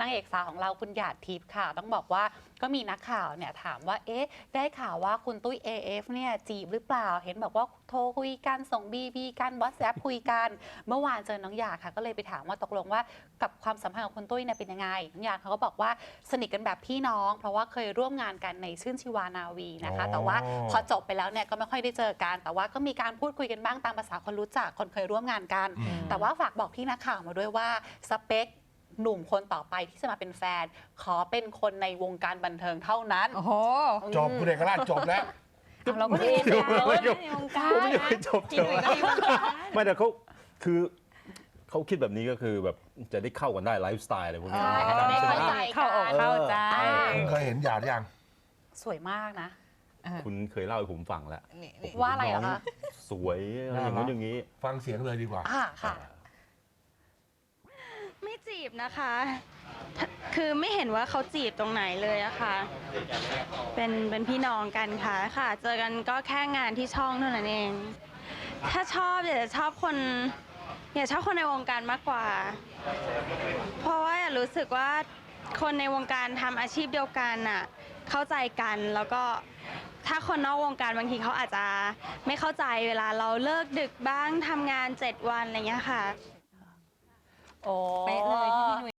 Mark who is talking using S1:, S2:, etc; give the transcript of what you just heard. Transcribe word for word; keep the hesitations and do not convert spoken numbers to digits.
S1: างเอกสาวของเราคุณหยาดทิพย์ค่ะต้องบอกว่าก็มีนักข่าวเนี่ยถามว่าเอ๊ะได้ข่าวว่าคุณตุ้ย เอ เอฟ เนี่ยจีบหรือเปล่าเห็นบอกว่าโทรคุยกันส่ง บี บี กันวอทแอปคุยกันเมื่อวานเจอน้องหยาดค่ะก็เลยไปถามว่าตกลงว่ากับความสัมพันธ์ของคุณตุ้ยเนี่ยเป็นยังไงน้องหยาดเขาก็บอกว่าสนิทกันแบบพี่น้องเพราะว่าเคยร่วมงานกันในชื่นชีวานาวีนะคะแต่ว่าพอจบไปแล้วเนี่ยก็ไม่ค่อยได้เจอกันแต่ว่าก็มีการพูดคุยกันบ้างตามภาษาคนรู้จักคนเคยร่วมงานกันแต่ว่าฝากบอกพี่นักข่าวมาด้วยว่าสเปคหนุ่มคนต่อไปที่จะมาเป็นแฟนขอเป็นคนในวงการบันเทิงเท่านั้น
S2: โอ้โห
S3: จบคุณเอกราชจบแล้ว
S2: เราก็ดีในวงการ
S4: ไม่ได้จบเถอะไม่แต่เขาคือเขาคิดแบบนี้ก็คือแบบจะได้เข้ากันได้ไลฟ์สไตล์อะไรพวกนี้
S1: จะได้เข้าใจ
S2: เข้าอกเข้าใจ
S3: คุณเคยเห็นหยาดยัง
S1: สวยมากนะ
S4: คุณเคยเล่าให้ผมฟังแล้ว
S1: ว่าอะไรเหรอคะ
S4: สวยอะไรอย่างนู้นอย่างนี้
S3: ฟังเสียงเลยดีกว่า
S1: อ่าค่ะ
S5: ไม่จีบนะคะ คือไม่เห็นว่าเขาจีบตรงไหนเลยอะค่ะ เป็นเป็นพี่น้องกันค่ะค่ะ เจอกันก็แค่งานที่ช่องเท่านั้นเอง ถ้าชอบอยากจะชอบคนอยากชอบคนในวงการมากกว่า เพราะว่าอยากรู้สึกว่าคนในวงการทำอาชีพเดียวกันน่ะเข้าใจกันแล้วก็ถ้าคนนอกวงการบางทีเขาอาจจะไม่เข้าใจเวลาเราเลิกดึกบ้างทำงานเจ็ดวันอะไรเงี้ยค่ะ
S1: โอ้
S2: เป๊ะเลยที่พี่นุ้ย